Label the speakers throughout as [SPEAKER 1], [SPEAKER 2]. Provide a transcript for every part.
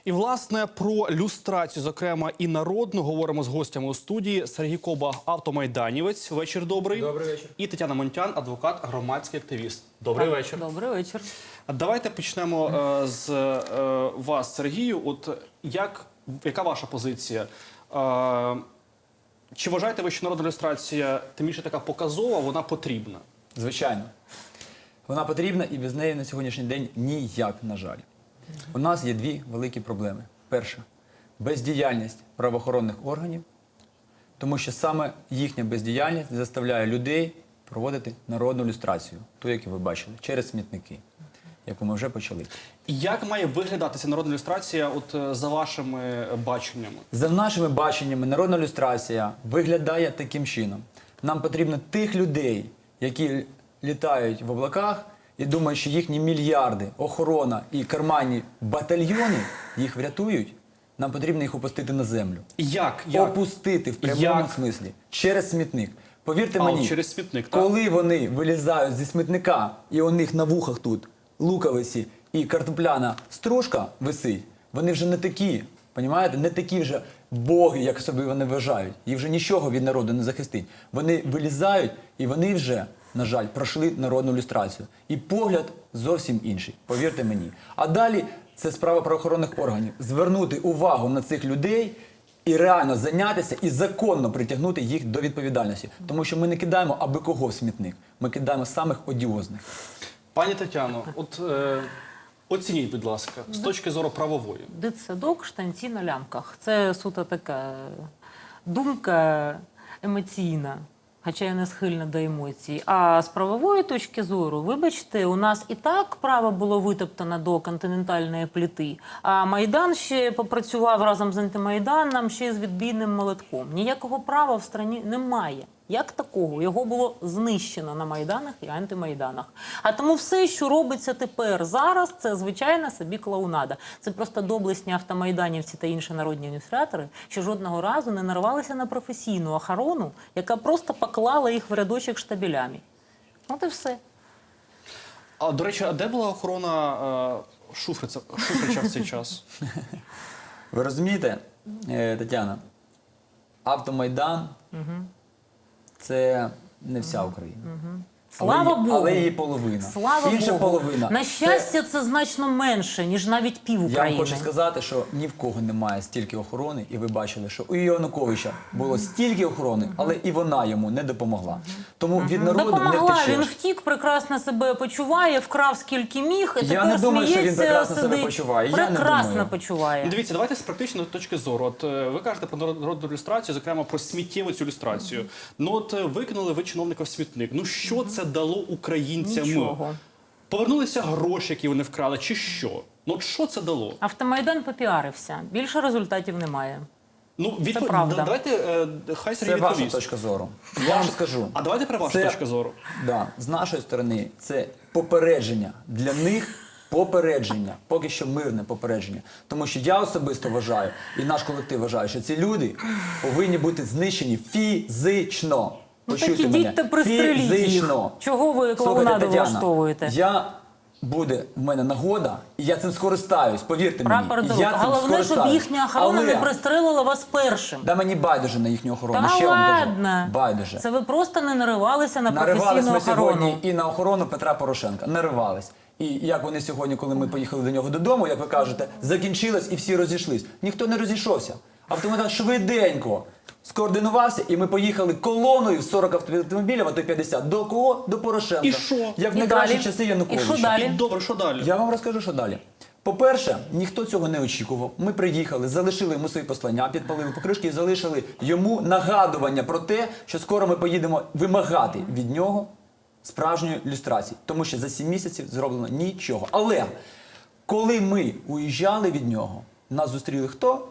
[SPEAKER 1] І, власне, про люстрацію, зокрема, і народну, говоримо з гостями у студії. Сергій Коба, автомайданівець. Вечір добрий.
[SPEAKER 2] Добрий вечір.
[SPEAKER 1] І Тетяна Монтян, адвокат, громадський активіст. Добрий вечір.
[SPEAKER 3] Добрий вечір.
[SPEAKER 1] Давайте почнемо з вас, Сергію. От яка ваша позиція? Чи вважаєте ви, що народна люстрація, тим більше така показова, вона потрібна?
[SPEAKER 2] Звичайно. Вона потрібна і без неї на сьогоднішній день ніяк, на жаль. У нас є дві великі проблеми. Перша – бездіяльність правоохоронних органів, тому що саме їхня бездіяльність заставляє людей проводити народну люстрацію, ту, яку ви бачили, через смітники, яку ми вже почали.
[SPEAKER 1] Як має виглядати ця народна люстрація от, за вашими баченнями?
[SPEAKER 2] За нашими баченнями, народна люстрація виглядає таким чином. Нам потрібно тих людей, які літають в облаках і думають, що їхні мільярди, охорона і карманні батальйони їх врятують, нам потрібно їх опустити на землю.
[SPEAKER 1] Як?
[SPEAKER 2] Опустити в прямому смислі. Через смітник. Повірте мені,
[SPEAKER 1] через смітник, так?
[SPEAKER 2] коли вони вилізають зі смітника і у них на вухах тут луковиці і картопляна стружка висить, вони вже не такі, понімаєте? Не такі вже боги, як собі вони вважають. Їх вже нічого від народу не захистить. Вони вилізають і вони вже, на жаль, пройшли народну люстрацію. І погляд зовсім інший, повірте мені. А далі це справа правоохоронних органів. Звернути увагу на цих людей і реально зайнятися і законно притягнути їх до відповідальності. Тому що ми не кидаємо аби кого в смітник, ми кидаємо самих одіозних.
[SPEAKER 1] Пані Тетяно, от оцініть, будь ласка, з точки зору правової.
[SPEAKER 3] Дитсадок, штанці на лямках. Це суто така думка емоційна, хоча я не схильна до емоцій. А з правової точки зору, вибачте, у нас і так право було витоптано до континентальної плити, а Майдан ще попрацював разом з антимайданом, ще з відбійним молотком. Ніякого права в страні немає. Як такого? Його було знищено на Майданах і антимайданах. А тому все, що робиться тепер, зараз, це звичайна собі клоунада. Це просто доблесні автомайданівці та інші народні адміністратори, що жодного разу не нарвалися на професійну охорону, яка просто поклала їх в рядочок штабелями. От і все.
[SPEAKER 1] А, до речі, а де була охорона Шуфрича в цей час?
[SPEAKER 2] Ви розумієте, Тетяна, автомайдан це не вся Україна.
[SPEAKER 3] Слава Богу!
[SPEAKER 2] Але її половина.
[SPEAKER 3] Слава
[SPEAKER 2] Інша
[SPEAKER 3] Богу!
[SPEAKER 2] половина.
[SPEAKER 3] На щастя, це значно менше, ніж навіть пів
[SPEAKER 2] Я
[SPEAKER 3] України.
[SPEAKER 2] вам хочу сказати, що ні в кого немає стільки охорони, і ви бачили, що у Януковича було стільки охорони, але і вона йому не допомогла. Тому від народу не
[SPEAKER 3] Допомогла, він
[SPEAKER 2] втечеш.
[SPEAKER 3] втік, прекрасно себе почуває, вкрав скільки міг, і
[SPEAKER 2] Я
[SPEAKER 3] тепер
[SPEAKER 2] не думаю, що він
[SPEAKER 3] сміється,
[SPEAKER 2] прекрасно себе
[SPEAKER 3] сидить.
[SPEAKER 2] почуває. Я не
[SPEAKER 3] Прекрасно
[SPEAKER 2] думаю.
[SPEAKER 3] почуває.
[SPEAKER 1] Дивіться, давайте з практичної точки зору. От ви кажете про народну люстрацію, зокрема про сміттєву цю люстрацію. Ну от викинули ви чиновника в смітник. Ну що це дало українцям?
[SPEAKER 3] Нічого.
[SPEAKER 1] Повернулися гроші, які вони вкрали, чи що? Ну от що це дало?
[SPEAKER 3] Автомайдан попіарився. Більше результатів немає.
[SPEAKER 1] Ну,
[SPEAKER 3] правда.
[SPEAKER 1] Давайте, хай Сергій
[SPEAKER 2] Це ваша
[SPEAKER 1] відповість.
[SPEAKER 2] точка зору. Я вам скажу.
[SPEAKER 1] А давайте про вашу
[SPEAKER 2] Це-
[SPEAKER 1] точку зору.
[SPEAKER 2] Да, з нашої сторони це попередження. Для них попередження. Поки що мирне попередження. Тому що я особисто вважаю, і наш колектив вважає, що ці люди повинні бути знищені фізично.
[SPEAKER 3] Ну так
[SPEAKER 2] Почуйте мене.
[SPEAKER 3] ідіть та пристреліть їх.
[SPEAKER 2] Фізично.
[SPEAKER 3] Чого ви
[SPEAKER 2] Слухайте,
[SPEAKER 3] клоунаду
[SPEAKER 2] Тетяна,
[SPEAKER 3] влаштовуєте?
[SPEAKER 2] Буде в мене нагода, і я цим скористаюсь, повірте
[SPEAKER 3] Прапор
[SPEAKER 2] мені.
[SPEAKER 3] до
[SPEAKER 2] Я цим
[SPEAKER 3] Головне, щоб
[SPEAKER 2] скористаюсь.
[SPEAKER 3] їхня охорона
[SPEAKER 2] Але
[SPEAKER 3] не пристрелила вас першим.
[SPEAKER 2] да мені байдуже на їхню охорону.
[SPEAKER 3] Та
[SPEAKER 2] Ще вам кажу.
[SPEAKER 3] ладно.
[SPEAKER 2] Байдуже.
[SPEAKER 3] Це ви просто не наривалися на
[SPEAKER 2] Наривались
[SPEAKER 3] професійну
[SPEAKER 2] ми
[SPEAKER 3] охорону.
[SPEAKER 2] сьогодні і на охорону Петра Порошенка. Наривались. І як вони сьогодні, коли ми поїхали до нього додому, як ви кажете, закінчилось і всі розійшлись. Ніхто не розійшовся. Автомайдан швиденько скоординувався, і ми поїхали колоною в 40 автомобілів, а то й 50. До кого? До Порошенка.
[SPEAKER 1] І що?
[SPEAKER 2] Як в
[SPEAKER 3] І
[SPEAKER 2] найкращі
[SPEAKER 3] далі?
[SPEAKER 2] часи
[SPEAKER 3] І
[SPEAKER 2] Януковича.
[SPEAKER 3] що далі?
[SPEAKER 1] Добре, що далі?
[SPEAKER 2] Я вам розкажу, що далі. По-перше, ніхто цього не очікував. Ми приїхали, залишили йому свої послання, підпалили покришки і залишили йому нагадування про те, що скоро ми поїдемо вимагати від нього справжньої люстрації. Тому що за 7 місяців зроблено нічого. Але коли ми уїжджали від нього, нас зустріли хто?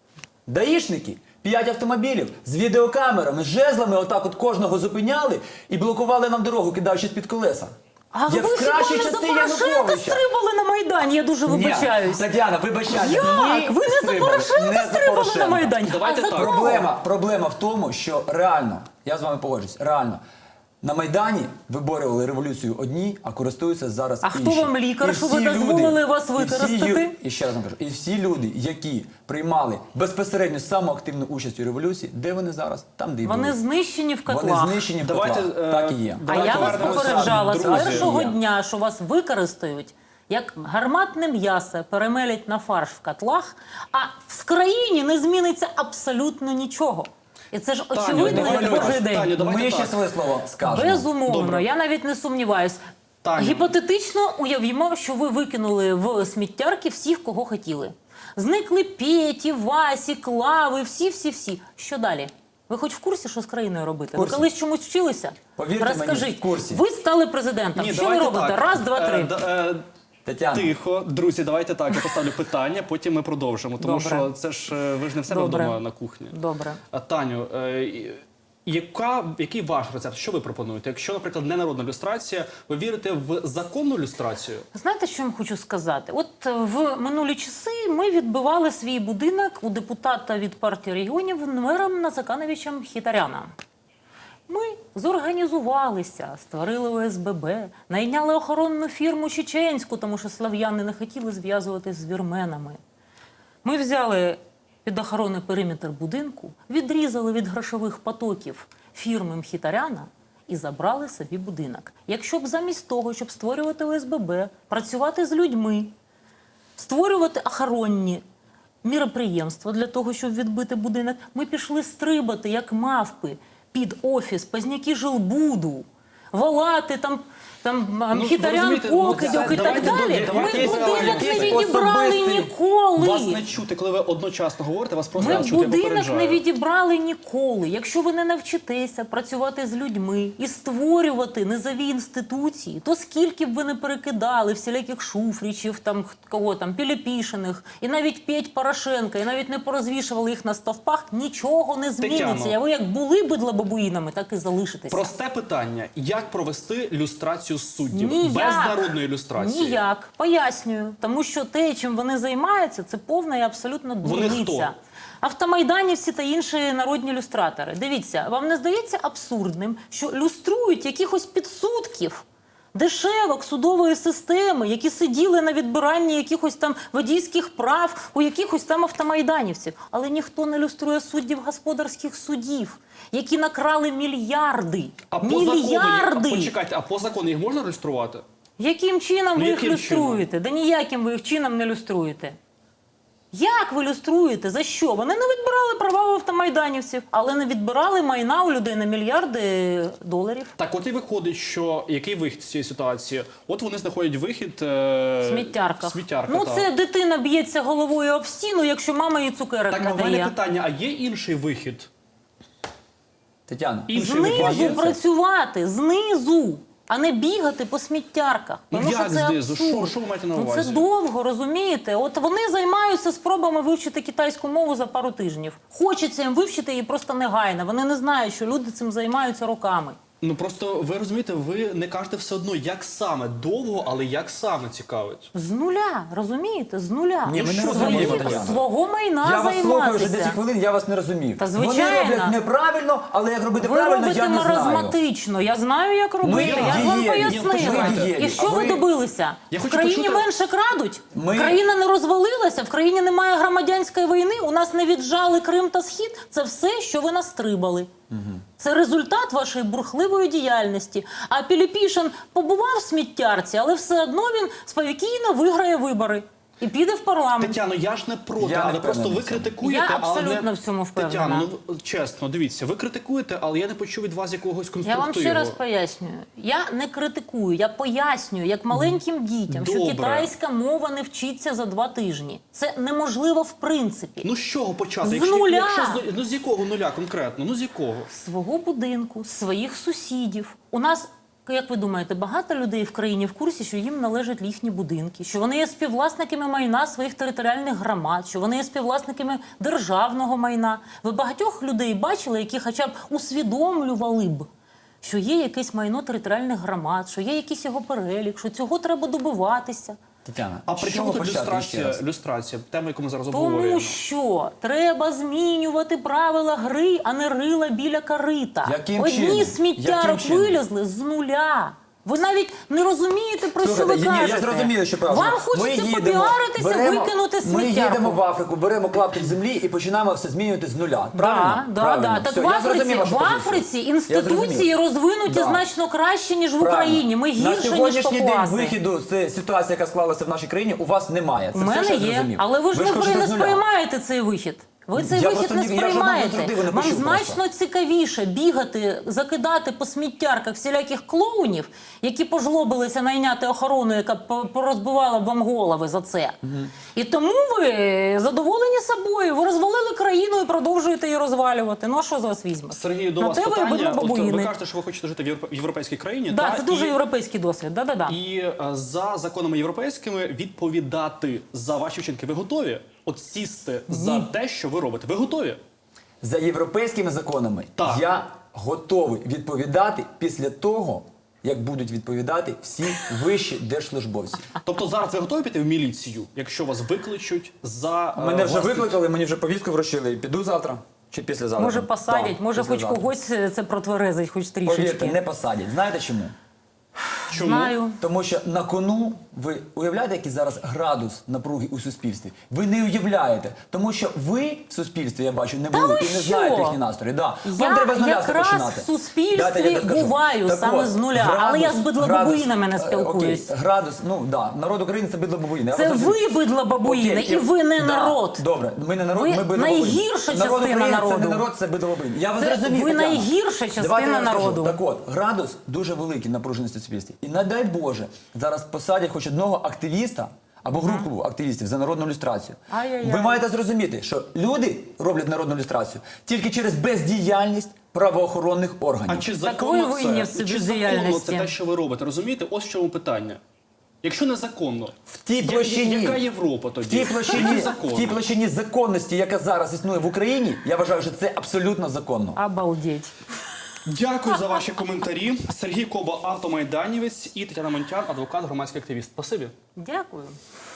[SPEAKER 2] Даїшники. 5 автомобілів з відеокамерами, з жезлами, отак от кожного зупиняли і блокували нам дорогу, кидаючись під колеса.
[SPEAKER 3] А
[SPEAKER 2] Як
[SPEAKER 3] ви
[SPEAKER 2] в
[SPEAKER 3] хіба
[SPEAKER 2] кращі
[SPEAKER 3] не за
[SPEAKER 2] часи
[SPEAKER 3] Порошенка
[SPEAKER 2] Януковича.
[SPEAKER 3] стрибали на Майдані? Я дуже вибачаюсь.
[SPEAKER 2] Ні, Тетяна, вибачайте.
[SPEAKER 3] Як?
[SPEAKER 2] Ні,
[SPEAKER 3] Ви не за
[SPEAKER 2] стрибали.
[SPEAKER 3] Порошенка
[SPEAKER 2] Не за
[SPEAKER 3] стрибали на
[SPEAKER 2] Порошенка.
[SPEAKER 3] Майдані?
[SPEAKER 1] Давайте
[SPEAKER 3] а за
[SPEAKER 1] так.
[SPEAKER 3] кого?
[SPEAKER 2] Проблема в тому, що реально, я з вами погоджуюсь, реально, На Майдані виборювали революцію одні, а користуються зараз
[SPEAKER 3] А
[SPEAKER 2] інші.
[SPEAKER 3] хто вам лікар,
[SPEAKER 2] І
[SPEAKER 3] що
[SPEAKER 2] всі
[SPEAKER 3] ви дозволили вас
[SPEAKER 2] і всі
[SPEAKER 3] використати?
[SPEAKER 2] І ще раз вам кажу, і всі люди, які приймали безпосередньо саму активну участь у революції, де вони зараз? Там, де і
[SPEAKER 3] Вони
[SPEAKER 2] були.
[SPEAKER 3] знищені в котлах.
[SPEAKER 2] Вони знищені в
[SPEAKER 1] Давайте,
[SPEAKER 2] котлах. Так і є.
[SPEAKER 3] А
[SPEAKER 1] Давайте
[SPEAKER 3] я вас
[SPEAKER 1] повернемося,
[SPEAKER 3] попереджала з
[SPEAKER 1] друзі.
[SPEAKER 3] першого
[SPEAKER 2] Є.
[SPEAKER 3] дня, що вас використають як гарматне м'ясо, перемелять на фарш в котлах, а в країні не зміниться абсолютно нічого. І це ж очевидно,
[SPEAKER 1] давайте
[SPEAKER 3] як
[SPEAKER 1] так.
[SPEAKER 3] божий день.
[SPEAKER 1] Таню, давайте
[SPEAKER 2] Ми ще
[SPEAKER 1] так.
[SPEAKER 2] своє слово скажемо.
[SPEAKER 3] Безумовно,
[SPEAKER 1] Добре.
[SPEAKER 3] я навіть не сумніваюсь.
[SPEAKER 1] Таня.
[SPEAKER 3] Гіпотетично уявімо, що ви викинули в сміттярки всіх, кого хотіли. Зникли Петі, Васі, Клави, всі. Що далі? Ви хоч в курсі, що з країною робити?
[SPEAKER 2] В курсі.
[SPEAKER 3] Ви колись чомусь вчилися?
[SPEAKER 2] Повірте мені,
[SPEAKER 3] Розкажіть.
[SPEAKER 2] в курсі.
[SPEAKER 3] Ви стали президентом. Що ви
[SPEAKER 1] давайте
[SPEAKER 3] робите?
[SPEAKER 1] так.
[SPEAKER 3] Раз, два, три.
[SPEAKER 2] Тетяна,
[SPEAKER 1] Тихо, друзі, давайте так. Я поставлю питання, потім ми продовжимо. Тому
[SPEAKER 3] Добре.
[SPEAKER 1] що це ж ви ж не в себе
[SPEAKER 3] Добре.
[SPEAKER 1] вдома на кухні.
[SPEAKER 3] Добре.
[SPEAKER 1] Таню, який ваш рецепт? Що ви пропонуєте? Якщо, наприклад, не народна люстрація, ви вірите в законну люстрацію?
[SPEAKER 3] Знаєте, що я вам хочу сказати? От в минулі часи ми відбивали свій будинок у депутата від партії регіонів мером Назакановичем Хітаряна. Ми зорганізувалися, створили ОСББ, найняли охоронну фірму чеченську, тому що слав'яни не хотіли зв'язуватись з вірменами. Ми взяли під охорони периметр будинку, відрізали від грошових потоків фірми Мхітаряна і забрали собі будинок. Якщо б замість того, щоб створювати ОСББ, працювати з людьми, створювати охоронні міроприємства для того, щоб відбити будинок, ми пішли стрибати, як мавпи, під офіс Позняки жилбуду, волати там Мхітарян,
[SPEAKER 1] розумієте,
[SPEAKER 3] Покидьок і так
[SPEAKER 1] давайте
[SPEAKER 3] далі. Ми
[SPEAKER 1] якийсь-
[SPEAKER 3] будинок не
[SPEAKER 2] якийсь
[SPEAKER 3] відібрали
[SPEAKER 2] особистий-
[SPEAKER 3] ніколи.
[SPEAKER 1] Вас не чути, коли ви одночасно говорите, вас просто
[SPEAKER 3] Ми
[SPEAKER 1] не чути, я
[SPEAKER 3] будинок
[SPEAKER 1] попереджаю.
[SPEAKER 3] не відібрали ніколи. Якщо ви не навчитеся працювати з людьми і створювати низові інституції, то скільки б ви не перекидали всіляких Шуфричів, Піліпішиних, і навіть Петь Порошенка, і навіть не порозвішували їх на стовпах, нічого не зміниться.
[SPEAKER 1] Тетяно.
[SPEAKER 3] А ви як були бидлобабуїнами, так і залишитеся.
[SPEAKER 1] Просте питання. Як провести люстрацію суддів?
[SPEAKER 3] Ніяк.
[SPEAKER 1] Без народної люстрації?
[SPEAKER 3] Ніяк. Пояснюю. Тому що те, чим вони займаються, це повна і абсолютно
[SPEAKER 1] Вони
[SPEAKER 3] дурниця.
[SPEAKER 1] хто?
[SPEAKER 3] Автомайданівці та інші народні люстратори. Дивіться, вам не здається абсурдним, що люструють якихось підсудків, дешевок судової системи, які сиділи на відбиранні якихось там водійських прав у якихось там автомайданівців. Але ніхто не люструє суддів господарських судів, які накрали мільярди.
[SPEAKER 1] А по закону,
[SPEAKER 3] Мільярди!
[SPEAKER 1] почекайте, а по закону їх можна люструвати?
[SPEAKER 3] Яким чином ви їх
[SPEAKER 1] яким
[SPEAKER 3] люструєте? Да ніяким ви їх чином не люструєте. Як ви люструєте? За що? Вони не відбирали права у автомайданівців, але не відбирали майна у людей на мільярди доларів.
[SPEAKER 1] Так, от і виходить, що який вихід з цієї ситуації? От вони знаходять вихід
[SPEAKER 3] В сміттярках.
[SPEAKER 1] Сміттярка,
[SPEAKER 3] Ну,
[SPEAKER 1] так.
[SPEAKER 3] це дитина б'ється головою об стіну, якщо мама їй цукерок
[SPEAKER 1] Так,
[SPEAKER 3] не
[SPEAKER 1] а в мене
[SPEAKER 3] дає.
[SPEAKER 1] питання, а є інший вихід?
[SPEAKER 2] Тетяна,
[SPEAKER 1] Інший вихід
[SPEAKER 3] Знизу
[SPEAKER 1] є?
[SPEAKER 3] працювати, знизу, а не бігати по сміттярках.
[SPEAKER 1] Ну,
[SPEAKER 3] Тому
[SPEAKER 1] як
[SPEAKER 3] що це
[SPEAKER 1] знизу?
[SPEAKER 3] абсурд.
[SPEAKER 1] Що ви маєте на
[SPEAKER 3] Ну,
[SPEAKER 1] увазі?
[SPEAKER 3] це довго, розумієте? От вони займаються спробами вивчити китайську мову за пару тижнів. Хочеться їм вивчити її просто негайно. Вони не знають, що люди цим займаються роками.
[SPEAKER 1] Ну просто ви розумієте, ви не кажете все одно, як саме довго, але як саме цікавить.
[SPEAKER 3] З нуля, розумієте? З нуля.
[SPEAKER 2] Ні, ми не
[SPEAKER 3] Свої-
[SPEAKER 2] розуміємо, Тетяна.
[SPEAKER 3] свого майна
[SPEAKER 2] я вас слухаю вже 10
[SPEAKER 3] займатися.
[SPEAKER 2] хвилин, я вас не розумію.
[SPEAKER 3] Та
[SPEAKER 2] Вони
[SPEAKER 3] звичайно.
[SPEAKER 2] роблять неправильно, але як робити
[SPEAKER 3] Ви
[SPEAKER 2] правильно,
[SPEAKER 3] робите
[SPEAKER 2] я не знаю.
[SPEAKER 3] маразматично. Я знаю, як робити. Я ж вам
[SPEAKER 2] дієві.
[SPEAKER 3] пояснила.
[SPEAKER 2] Ми дієві.
[SPEAKER 3] І що
[SPEAKER 2] А
[SPEAKER 3] ви
[SPEAKER 2] ви-
[SPEAKER 3] добилися?
[SPEAKER 1] Я
[SPEAKER 3] В
[SPEAKER 1] хочу
[SPEAKER 3] країні
[SPEAKER 1] почути-
[SPEAKER 3] менше крадуть?
[SPEAKER 2] Ми-
[SPEAKER 3] Країна не розвалилася? В країні немає громадянської війни? У нас не віджали Крим та Схід? Це все, що ви настрибали. Це результат вашої бурхливої діяльності. А Піліпішин побував в сміттярці, але все одно він спокійно виграє вибори і піде в парламент.
[SPEAKER 1] Тетяно, я ж не проти,
[SPEAKER 2] Я не
[SPEAKER 1] але просто
[SPEAKER 2] впевнений
[SPEAKER 1] ви
[SPEAKER 2] в цьому.
[SPEAKER 1] критикуєте,
[SPEAKER 3] Я
[SPEAKER 1] але
[SPEAKER 3] абсолютно
[SPEAKER 1] не...
[SPEAKER 3] в цьому впевнена.
[SPEAKER 1] Тетяно, ну чесно, дивіться, ви критикуєте, але я не почув від вас якогось
[SPEAKER 3] Я
[SPEAKER 1] конструктиву.
[SPEAKER 3] вам ще раз пояснюю. Я не критикую, я пояснюю, як маленьким дітям, що
[SPEAKER 1] Добре.
[SPEAKER 3] китайська мова не вчиться за 2 тижні. Це неможливо в принципі.
[SPEAKER 1] Ну з чого почати?
[SPEAKER 3] З нуля.
[SPEAKER 1] Ну з якого нуля конкретно? Ну з якого?
[SPEAKER 3] Свого будинку, своїх сусідів. У нас, як ви думаєте, багато людей в країні в курсі, що їм належать їхні будинки, що вони є співвласниками майна своїх територіальних громад, що вони є співвласниками державного майна. Ви багатьох людей бачили, які хоча б усвідомлювали б, що є якесь майно територіальних громад, що є якийсь його перелік, що цього треба добиватися.
[SPEAKER 2] Тетяна,
[SPEAKER 1] А при
[SPEAKER 2] з
[SPEAKER 1] чому
[SPEAKER 2] чого
[SPEAKER 1] тут
[SPEAKER 2] почати ще раз?
[SPEAKER 1] люстрація? Тема, яку ми зараз
[SPEAKER 3] Тому
[SPEAKER 1] обговорюємо.
[SPEAKER 3] що треба змінювати правила гри, а не рила біля корита.
[SPEAKER 2] Яким
[SPEAKER 3] Одні
[SPEAKER 2] чином?
[SPEAKER 3] сміттярок
[SPEAKER 2] Яким чином?
[SPEAKER 3] вилізли з нуля. Ви навіть не розумієте, про що ви
[SPEAKER 2] Слухайте, ні,
[SPEAKER 3] кажете.
[SPEAKER 2] я зрозумію, що правда.
[SPEAKER 3] Вам хочеться попіаритися, викинути
[SPEAKER 2] Ми їдемо
[SPEAKER 3] сміттярку.
[SPEAKER 2] в Африку, беремо клаптик землі і починаємо все змінювати з нуля. Правильно?
[SPEAKER 3] Да.
[SPEAKER 2] Правильно.
[SPEAKER 3] Так
[SPEAKER 2] Все,
[SPEAKER 3] в
[SPEAKER 2] я
[SPEAKER 3] Африці,
[SPEAKER 2] зрозумів вашу
[SPEAKER 3] в
[SPEAKER 2] позицію.
[SPEAKER 3] Африці
[SPEAKER 2] Я
[SPEAKER 3] інституції
[SPEAKER 2] зрозумів.
[SPEAKER 3] розвинуті
[SPEAKER 2] Да.
[SPEAKER 3] значно краще, ніж в
[SPEAKER 2] Правильно.
[SPEAKER 3] Україні. Ми
[SPEAKER 2] На
[SPEAKER 3] гірше, ніж
[SPEAKER 2] сьогоднішній день
[SPEAKER 3] папуаси.
[SPEAKER 2] виходу з ситуації, яка склалася в нашій країні, у вас немає. Це
[SPEAKER 3] У
[SPEAKER 2] все,
[SPEAKER 3] мене
[SPEAKER 2] що я
[SPEAKER 3] є,
[SPEAKER 2] зрозумів.
[SPEAKER 3] але ви ж
[SPEAKER 2] хочете
[SPEAKER 3] не
[SPEAKER 2] з нуля.
[SPEAKER 3] сприймаєте цей вихід. Ви цей
[SPEAKER 2] Я
[SPEAKER 3] вихід
[SPEAKER 2] просто
[SPEAKER 3] не
[SPEAKER 2] я жодного
[SPEAKER 3] сприймаєте.
[SPEAKER 2] альтернативи не
[SPEAKER 3] Вам
[SPEAKER 2] почув
[SPEAKER 3] значно цікавіше бігати, закидати по сміттярках всіляких клоунів, які пожлобилися найняти охорону, яка порозбивала б вам голови за це. І тому ви задоволені собою. Ви розвалили країну і продовжуєте її розвалювати. Ну а що з вас візьме?
[SPEAKER 1] Сергій, до
[SPEAKER 3] На
[SPEAKER 1] вас
[SPEAKER 3] те ви
[SPEAKER 1] питання. От, ви
[SPEAKER 3] баба-бабуїни.
[SPEAKER 1] кажете, що ви хочете жити в європейській країні.
[SPEAKER 3] Да,
[SPEAKER 1] та,
[SPEAKER 3] це дуже
[SPEAKER 1] і-
[SPEAKER 3] європейський досвід. Да-да-да.
[SPEAKER 1] І за законами європейськими відповідати за ваші вчинки. Ви готові? От сісти за те, що ви робите. Ви готові?
[SPEAKER 2] За європейськими законами
[SPEAKER 1] Так.
[SPEAKER 2] я готовий відповідати після того, як будуть відповідати всі вищі держслужбовці.
[SPEAKER 1] Тобто зараз ви готові піти в міліцію, якщо вас викличуть за
[SPEAKER 2] Мене вже
[SPEAKER 1] власні-
[SPEAKER 2] викликали, мені вже повістку вручили. Піду завтра чи післязавтра?
[SPEAKER 3] Може посадять,
[SPEAKER 2] Так,
[SPEAKER 3] може хоч
[SPEAKER 2] післязавтра.
[SPEAKER 3] когось це протверезить, хоч трішечки.
[SPEAKER 2] Повірте, не посадять. Знаєте чому?
[SPEAKER 1] Чому?
[SPEAKER 3] Знаю.
[SPEAKER 2] Тому що на кону, ви уявляєте, який зараз градус напруги у суспільстві? Ви не уявляєте. Тому що ви в суспільстві, я бачу, не були
[SPEAKER 3] ви
[SPEAKER 2] і не
[SPEAKER 3] що?
[SPEAKER 2] знаєте їхні настрої. Да.
[SPEAKER 3] Я
[SPEAKER 2] Вам треба з нуля все
[SPEAKER 3] якраз
[SPEAKER 2] починати.
[SPEAKER 3] в суспільстві
[SPEAKER 2] Дайте я докажу.
[SPEAKER 3] буваю
[SPEAKER 2] Так
[SPEAKER 3] саме
[SPEAKER 2] от,
[SPEAKER 3] з нуля, але я з бидло-бабуїнами не спілкуюсь.
[SPEAKER 2] Окей, градус, ну да, народ України це бидло-бабуїни. Я
[SPEAKER 3] Це
[SPEAKER 2] вас
[SPEAKER 3] ви
[SPEAKER 2] розумію.
[SPEAKER 3] бидло-бабуїни,
[SPEAKER 2] Окей,
[SPEAKER 3] і ви не
[SPEAKER 2] да,
[SPEAKER 3] народ.
[SPEAKER 2] Добре, ми не народ,
[SPEAKER 3] Ви
[SPEAKER 2] ми бидло-бабуїни.
[SPEAKER 3] найгірша
[SPEAKER 2] Народ
[SPEAKER 3] частина
[SPEAKER 2] України
[SPEAKER 3] народу.
[SPEAKER 2] Це не народ, це бидло-бабуїни. Я вас
[SPEAKER 3] Це
[SPEAKER 2] розумію,
[SPEAKER 3] ви
[SPEAKER 2] Тетяна.
[SPEAKER 3] найгірша частина
[SPEAKER 2] Давайте я розкажу.
[SPEAKER 3] народу.
[SPEAKER 2] Так от, градус дуже великий напруженості в суспільстві. І не дай Боже, зараз посадять хоч одного активіста або групу активістів за народну люстрацію.
[SPEAKER 3] Ай-яй-яй.
[SPEAKER 2] Ви маєте зрозуміти, що люди роблять народну люстрацію тільки через бездіяльність правоохоронних органів.
[SPEAKER 1] А чи
[SPEAKER 3] Так
[SPEAKER 1] законно
[SPEAKER 3] ви винні в
[SPEAKER 1] це?
[SPEAKER 3] цій
[SPEAKER 1] Чи законно
[SPEAKER 3] бездіяльності?
[SPEAKER 1] це те, що ви робите? Розумієте? Ось в чому питання. Якщо незаконно,
[SPEAKER 2] В тій площині,
[SPEAKER 1] яка Європа
[SPEAKER 2] в
[SPEAKER 1] тоді?
[SPEAKER 2] тій площині,
[SPEAKER 1] Який
[SPEAKER 2] в
[SPEAKER 1] закон?
[SPEAKER 2] тій площині законності, яка зараз існує в Україні, я вважаю, що це абсолютно законно.
[SPEAKER 3] Обалдеть.
[SPEAKER 1] Дякую за ваші коментарі. Сергій Коба, автомайданівець, і Тетяна Монтян, адвокат, громадський активіст. Спасибі.
[SPEAKER 3] Дякую.